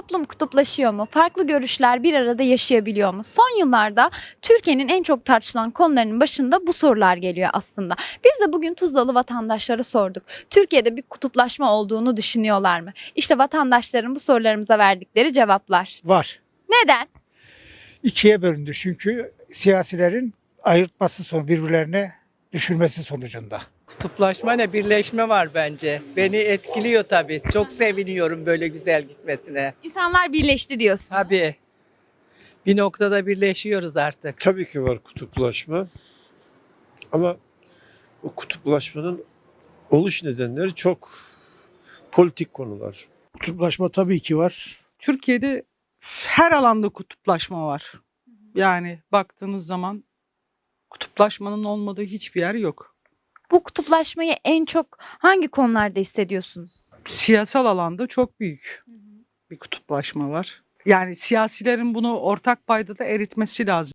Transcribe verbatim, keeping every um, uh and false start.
Toplum kutuplaşıyor mu? Farklı görüşler bir arada yaşayabiliyor mu? Son yıllarda Türkiye'nin en çok tartışılan konularının başında bu sorular geliyor aslında. Biz de bugün Tuzlalı vatandaşlara sorduk. Türkiye'de bir kutuplaşma olduğunu düşünüyorlar mı? İşte vatandaşların bu sorularımıza verdikleri cevaplar. Var. Neden? İkiye bölündü çünkü siyasilerin ayırtması sonucu birbirlerine düşürmesi sonucunda. Kutuplaşma ne? Birleşme var bence. Beni etkiliyor tabii. Çok seviniyorum böyle güzel gitmesine. İnsanlar birleşti diyorsun. Tabii. Bir noktada birleşiyoruz artık. Tabii ki var kutuplaşma. Ama o kutuplaşmanın oluş nedenleri çok politik konular. Kutuplaşma tabii ki var. Türkiye'de her alanda kutuplaşma var. Yani baktığınız zaman kutuplaşmanın olmadığı hiçbir yer yok. Bu kutuplaşmayı en çok hangi konularda hissediyorsunuz? Siyasal alanda çok büyük bir kutuplaşma var. Yani siyasilerin bunu ortak paydada eritmesi lazım.